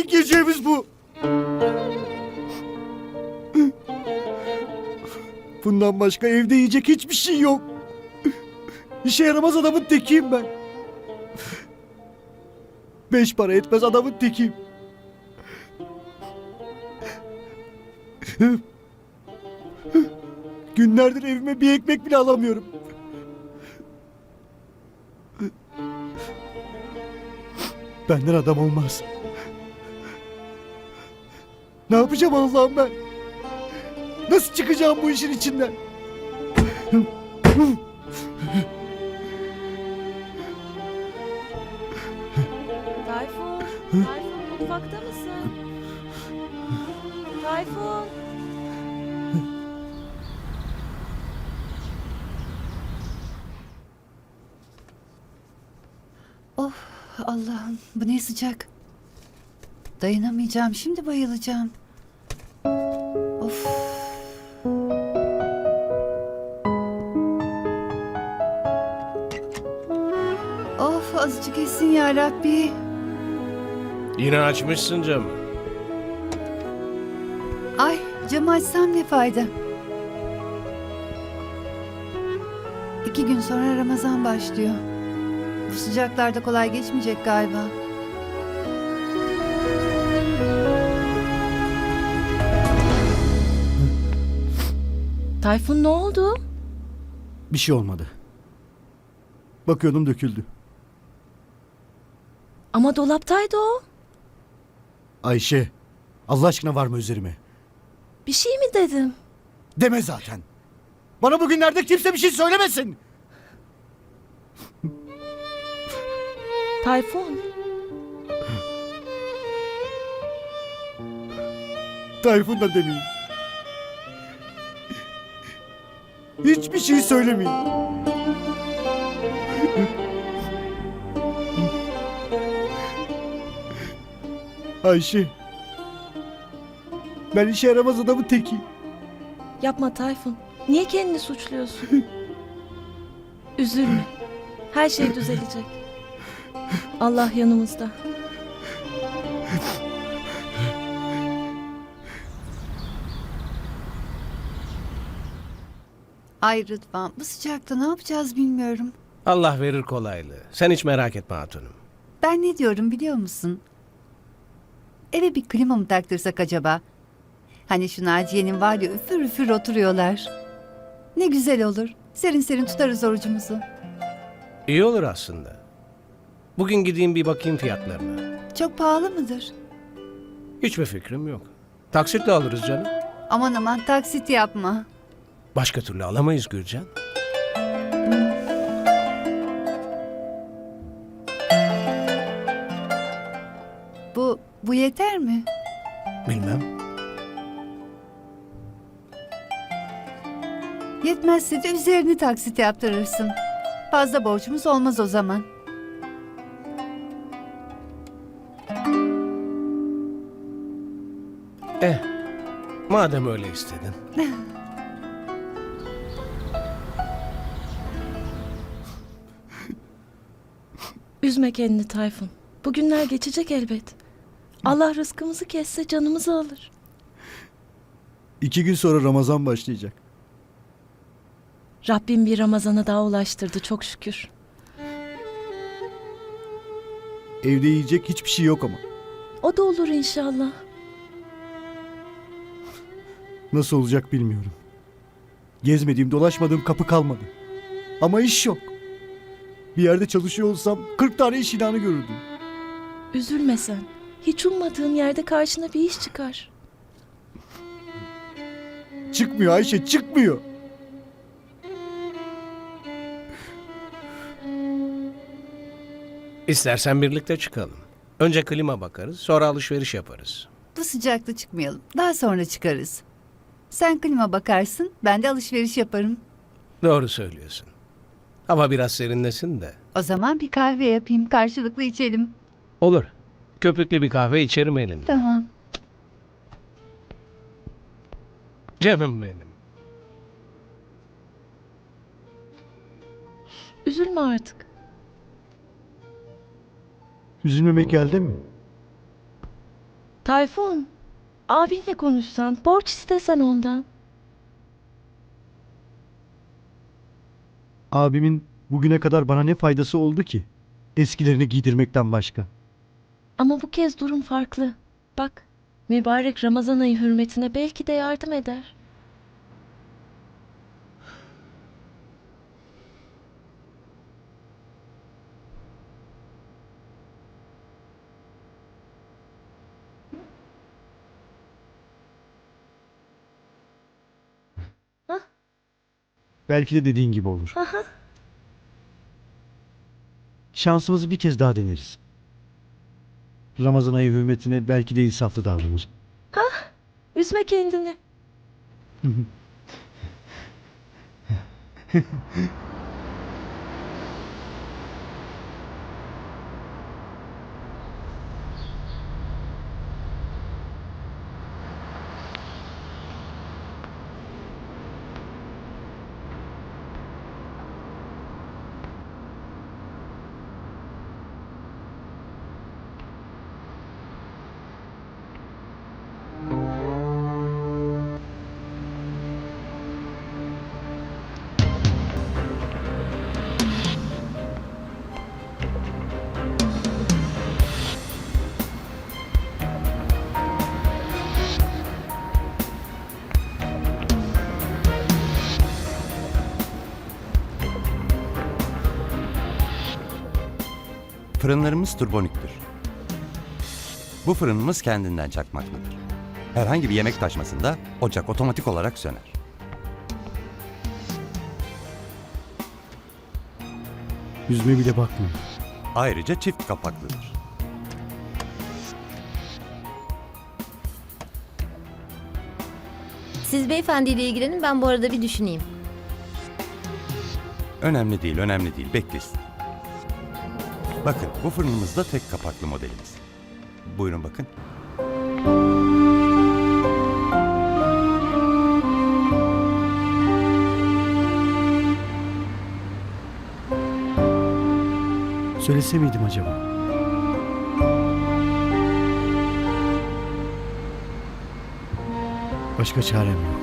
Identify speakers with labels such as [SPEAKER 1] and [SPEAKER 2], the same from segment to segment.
[SPEAKER 1] tek yiyeceğimiz bu. Bundan başka evde yiyecek hiçbir şey yok. İşe yaramaz adamın tekiyim ben. 5 para etmez adamın tekiyim. Günlerdir evime bir ekmek bile alamıyorum. Benden adam olmaz. Ne yapacağım Allah'ım ben? Nasıl çıkacağım bu işin içinden?
[SPEAKER 2] Tayfun, Tayfun mutfakta mısın? Tayfun.
[SPEAKER 3] Of Allah'ım, bu ne sıcak. Dayanamayacağım, şimdi bayılacağım. Of. Of, azıcık etsin ya Rabbi.
[SPEAKER 4] Yine açmışsın camı.
[SPEAKER 3] Ay, camı açsam ne fayda? 2 gün sonra Ramazan başlıyor. Bu sıcaklarda kolay geçmeyecek galiba.
[SPEAKER 2] Tayfun ne oldu?
[SPEAKER 1] Bir şey olmadı. Bakıyordum döküldü.
[SPEAKER 2] Ama dolaptaydı o.
[SPEAKER 1] Ayşe, Allah aşkına var mı üzerime?
[SPEAKER 2] Bir şey mi dedim?
[SPEAKER 1] Deme zaten. Bana bugünlerde kimse bir şey söylemesin.
[SPEAKER 2] Tayfun.
[SPEAKER 1] Tayfun da demeyin. Hiçbir şey söylemeyin. Ayşe. Ben işe yaramaz adamın tekiyim.
[SPEAKER 2] Yapma Tayfun. Niye kendini suçluyorsun? Üzülme. Her şey düzelecek. Allah yanımızda.
[SPEAKER 3] Ay Rıdvan, bu sıcakta ne yapacağız bilmiyorum.
[SPEAKER 4] Allah verir kolaylığı. Sen hiç merak etme hatunum.
[SPEAKER 3] Ben ne diyorum biliyor musun? Eve bir klima mı taktırsak acaba? Hani şu Naciye'nin var ya, üfür üfür oturuyorlar. Ne güzel olur. Serin serin tutarız orucumuzu.
[SPEAKER 4] İyi olur aslında. Bugün gideyim bir bakayım fiyatlarına.
[SPEAKER 3] Çok pahalı mıdır?
[SPEAKER 4] Hiçbir fikrim yok. Taksitle alırız canım.
[SPEAKER 3] Aman aman, taksit yapma.
[SPEAKER 4] Başka türlü alamayız Gürcan.
[SPEAKER 3] Bu yeter mi?
[SPEAKER 4] Bilmem.
[SPEAKER 3] Yetmezse de üzerini taksit yaptırırsın. Fazla borcumuz olmaz o zaman.
[SPEAKER 4] Madem öyle istedin.
[SPEAKER 2] Üzme kendini Tayfun. Bugünler geçecek elbet. Allah rızkımızı kesse canımızı alır.
[SPEAKER 1] 2 gün sonra Ramazan başlayacak.
[SPEAKER 2] Rabbim bir Ramazan'a daha ulaştırdı çok şükür.
[SPEAKER 1] Evde yiyecek hiçbir şey yok ama.
[SPEAKER 2] O da olur inşallah.
[SPEAKER 1] Nasıl olacak bilmiyorum. Gezmediğim, dolaşmadığım kapı kalmadı. Ama iş yok. Bir yerde çalışıyor olsam 40 tane iş ilanı görürdüm.
[SPEAKER 2] Üzülme sen. Hiç ummadığın yerde karşına bir iş çıkar.
[SPEAKER 1] Çıkmıyor Ayşe, çıkmıyor.
[SPEAKER 4] İstersen birlikte çıkalım. Önce klima bakarız, sonra alışveriş yaparız.
[SPEAKER 3] Bu sıcakta çıkmayalım. Daha sonra çıkarız. Sen klima bakarsın, ben de alışveriş yaparım.
[SPEAKER 4] Doğru söylüyorsun. Hava biraz serinlesin de.
[SPEAKER 3] O zaman bir kahve yapayım, karşılıklı içelim.
[SPEAKER 4] Olur. Köpüklü bir kahve içerim elinde.
[SPEAKER 3] Tamam.
[SPEAKER 4] Canım benim.
[SPEAKER 2] Üzülme artık.
[SPEAKER 1] Üzülmemek elde mi?
[SPEAKER 2] Tayfun, abinle konuşsan, borç istesen ondan.
[SPEAKER 1] Abimin bugüne kadar bana ne faydası oldu ki? Eskilerini giydirmekten başka.
[SPEAKER 2] Ama bu kez durum farklı. Bak, mübarek Ramazan ayı hürmetine belki de yardım eder.
[SPEAKER 1] Belki de dediğin gibi olur.
[SPEAKER 2] Aha.
[SPEAKER 1] Şansımızı bir kez daha deneriz. Ramazan ayı hürmetine belki de insaflı davranır.
[SPEAKER 2] Üzme kendini.
[SPEAKER 5] Fırınlarımız turboniktir. Bu fırınımız kendinden çakmaktadır. Herhangi bir yemek taşmasında ocak otomatik olarak söner.
[SPEAKER 1] Yüzüme bile bakmıyor.
[SPEAKER 5] Ayrıca çift kapaklıdır.
[SPEAKER 6] Siz beyefendiyle ilgilenin, ben bu arada bir düşüneyim.
[SPEAKER 5] Önemli değil, önemli değil. Beklesin. Bakın, bu fırınımız da tek kapaklı modelimiz. Buyurun bakın.
[SPEAKER 1] Söylese miydim acaba? Başka çarem yok.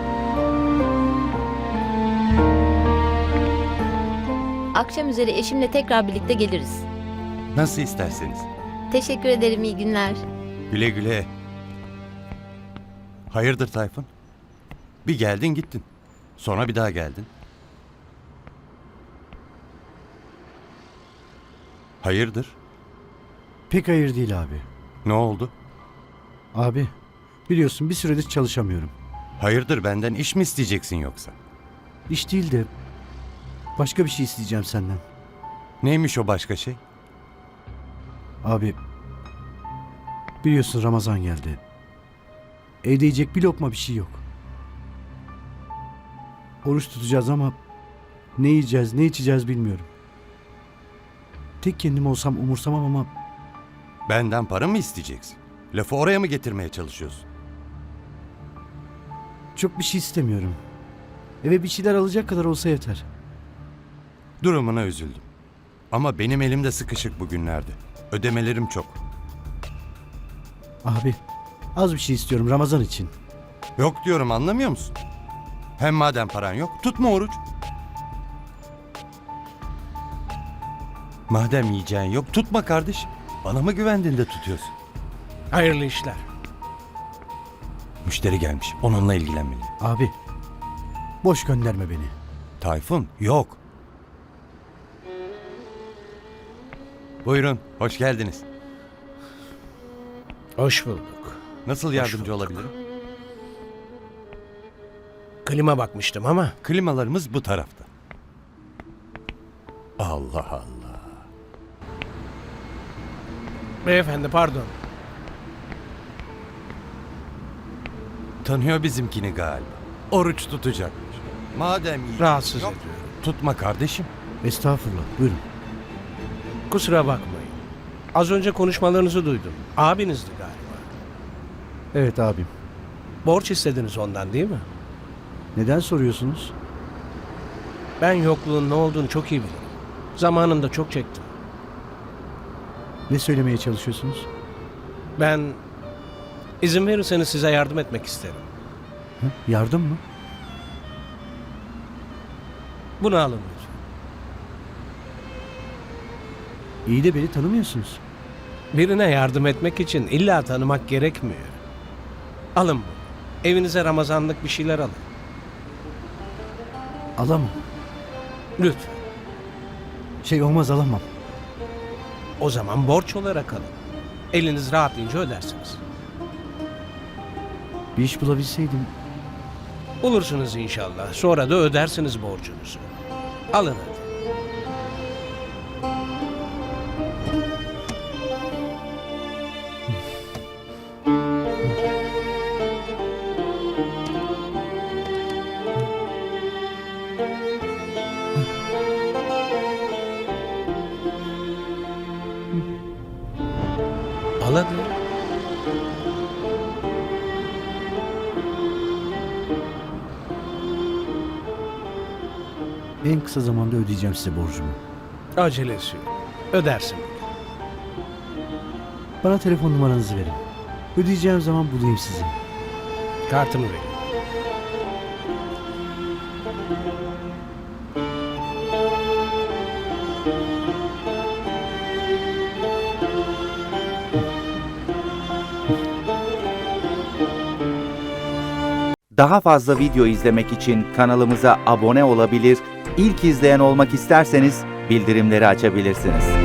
[SPEAKER 6] Akşam üzeri eşimle tekrar birlikte geliriz.
[SPEAKER 5] Nasıl isterseniz.
[SPEAKER 6] Teşekkür ederim, iyi günler.
[SPEAKER 5] Güle güle. Hayırdır Tayfun? Bir geldin gittin. Sonra bir daha geldin. Hayırdır?
[SPEAKER 1] Pek hayır değil abi.
[SPEAKER 5] Ne oldu?
[SPEAKER 1] Abi, biliyorsun bir süredir çalışamıyorum.
[SPEAKER 5] Hayırdır, benden iş mi isteyeceksin yoksa?
[SPEAKER 1] İş değil de başka bir şey isteyeceğim senden.
[SPEAKER 5] Neymiş o başka şey?
[SPEAKER 1] Abi, biliyorsun Ramazan geldi. Evde yiyecek bir lokma bir şey yok. Oruç tutacağız ama ne yiyeceğiz, ne içeceğiz bilmiyorum. Tek kendim olsam umursamam ama
[SPEAKER 5] Benden para mı isteyeceksin? Lafı oraya mı getirmeye çalışıyorsun?
[SPEAKER 1] çok bir şey istemiyorum. Eve bir şeyler alacak kadar olsa yeter.
[SPEAKER 5] Durumuna üzüldüm. Ama benim elimde sıkışık bugünlerde. Ödemelerim çok.
[SPEAKER 1] Abi, az bir şey istiyorum Ramazan için.
[SPEAKER 5] Yok diyorum, anlamıyor musun? Hem madem paran yok, tutma oruç. Madem yiyeceğin yok, tutma kardeşim. Bana mı güvendin de tutuyorsun?
[SPEAKER 4] Hayırlı işler.
[SPEAKER 5] Müşteri gelmiş, onunla ilgilenmeliyim.
[SPEAKER 1] Abi, boş gönderme beni.
[SPEAKER 5] Tayfun, yok. Buyurun, hoş geldiniz.
[SPEAKER 4] Hoş bulduk.
[SPEAKER 5] Nasıl yardımcı olabilirim?
[SPEAKER 4] Klima bakmıştım ama
[SPEAKER 5] Klimalarımız bu tarafta. Allah Allah.
[SPEAKER 4] beyefendi pardon.
[SPEAKER 5] Tanıyor bizimkini galiba. Oruç tutacakmış. Madem yiyecek
[SPEAKER 4] Rahatsız
[SPEAKER 5] yok,
[SPEAKER 4] ediyorum.
[SPEAKER 5] tutma kardeşim.
[SPEAKER 1] Estağfurullah, buyurun.
[SPEAKER 4] Kusura bakmayın. Az önce konuşmalarınızı duydum. Abinizdi galiba.
[SPEAKER 1] Evet abim.
[SPEAKER 4] Borç istediniz ondan değil mi?
[SPEAKER 1] Neden soruyorsunuz?
[SPEAKER 4] Ben yokluğun ne olduğunu çok iyi bilirim. Zamanında çok çektim.
[SPEAKER 1] Ne söylemeye çalışıyorsunuz?
[SPEAKER 4] Ben İzin verirseniz size yardım etmek isterim.
[SPEAKER 1] Hı? Yardım mı?
[SPEAKER 4] Bunu alın lütfen.
[SPEAKER 1] İyi de beni tanımıyorsunuz.
[SPEAKER 4] Birine yardım etmek için illa tanımak gerekmiyor. Alın bunu. Evinize Ramazanlık bir şeyler alın.
[SPEAKER 1] Alamam.
[SPEAKER 4] Lütfen.
[SPEAKER 1] Şey olmaz, alamam.
[SPEAKER 4] O zaman borç olarak alın. Eliniz rahatlayınca ödersiniz.
[SPEAKER 1] Bir iş bulabilseydim.
[SPEAKER 4] Bulursunuz inşallah. Sonra da ödersiniz borcunuzu. Alın hadi. Al hadi.
[SPEAKER 1] En kısa zamanda ödeyeceğim size borcumu.
[SPEAKER 4] Acelesi yok. Ödersin.
[SPEAKER 1] Bana telefon numaranızı verin. Ödeyeceğim zaman bulayım sizi.
[SPEAKER 4] Kartımı verin.
[SPEAKER 7] Daha fazla video izlemek için kanalımıza abone olabilir, ilk izleyen olmak isterseniz bildirimleri açabilirsiniz.